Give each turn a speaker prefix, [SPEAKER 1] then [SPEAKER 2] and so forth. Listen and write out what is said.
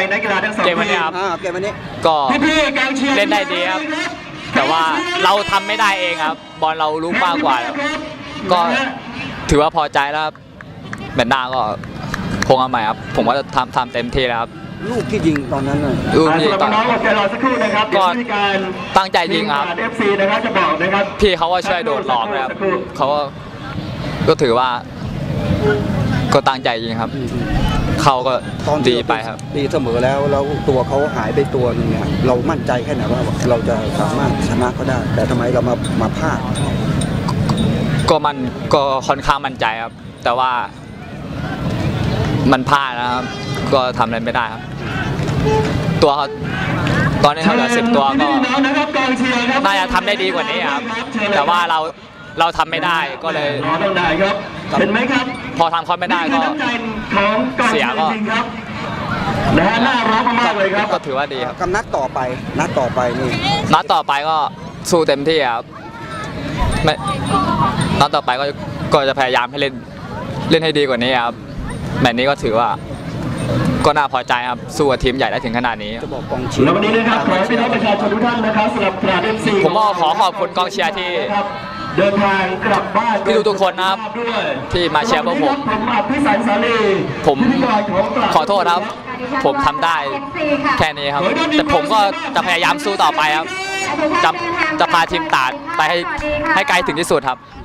[SPEAKER 1] นักกีฬาทั้งสอง
[SPEAKER 2] เกมวันนี้ครับ
[SPEAKER 3] เกมวันนี้
[SPEAKER 2] ก็เล่นได้ดีครับ แต่ว่าเราทำไม่ได้เองครับ บอลเรารู้มากกว่าครับก็ถือว่าพอใจแล้วครับแมตช์หน้าก็คงเอาใหม่ครับผมว่าจะทำเต็มที่แล้วครับ
[SPEAKER 3] ลูกที่ยิงตอนนั้นน่ะ
[SPEAKER 2] ลูกที่ตอน
[SPEAKER 1] น้องๆอดใจรอสักครู่นะครับ
[SPEAKER 2] ก็
[SPEAKER 1] เดี๋ยวมีการ
[SPEAKER 2] ตั้งใจยิงครับ
[SPEAKER 1] FC นะครับจะบอกนะครับ
[SPEAKER 2] พี่เขาก็ช่วยโดดหลอกนะครับเขาก็ถือว่าก็ตั้งใจยิงครับ เขาก็
[SPEAKER 3] ตอน
[SPEAKER 2] ดีไปครับ
[SPEAKER 3] ดีเสมอแล้วตัวเขาหายไปตัวนึงเนี่ยเรามั่นใจแค่ไหนว่าเราจะสามารถชนะเขาได้ แต่ทำไมเรามาพลาด
[SPEAKER 2] ก็ค่อนข้างมั่นใจครับ แต่ว่ามันพลาดนะครับ ก็ทำอะไรไม่ได้ครับ ตัวเขาตอนนี้เขาเหลือ10 ตัวก็น่าจะทำได้ดีกว่านี้ครับ แต่ว่าเราทำไม่ได้ก็เลย
[SPEAKER 1] รอต้องได้ครับเห็นไหมครับ
[SPEAKER 2] พอทำเขาไม่ได้ก็
[SPEAKER 1] นี่คือน้ำใจของกอง
[SPEAKER 2] เสียก็
[SPEAKER 1] จริงๆครับนะฮะน่ารักมากๆเลยครับ
[SPEAKER 2] ก็ถือว่าดีครับ
[SPEAKER 3] กับนัดต่อไปนี่
[SPEAKER 2] นัดต่อไปก็สู้เต็มที่ครับไม่นัดต่อไปก็จะพยายามให้เล่นให้ดีกว่านี้ครับแมตช์นี้ก็ถือว่าก็น่าพอใจครับสู้กับทีมใหญ่ได้ถึงขนาดนี้
[SPEAKER 3] จะบอกกองเชียร์
[SPEAKER 1] แล้ววันนี้นะครับขอให้พี่น้องประชาชนทุกท่านนะครับสำหรับตราด FC
[SPEAKER 2] ผมก็ขอขอบคุณกองเชียร์ที่
[SPEAKER 1] เดินทางกลับบ้าน
[SPEAKER 2] พี่ทุกคนนะครับ
[SPEAKER 1] ด้วย
[SPEAKER 2] ที่มาเชียร์พวกผม
[SPEAKER 1] ผมอภิสันสาลี
[SPEAKER 2] ผม
[SPEAKER 1] พิธีกรของตราด
[SPEAKER 2] ขอโทษครับ ผมทำได้แค่นี้ครับ แต่ผมก็จะพยายามสู้ต่อไปครับจะพาทีมตราดไปให้ไกลถึงที่สุดครับ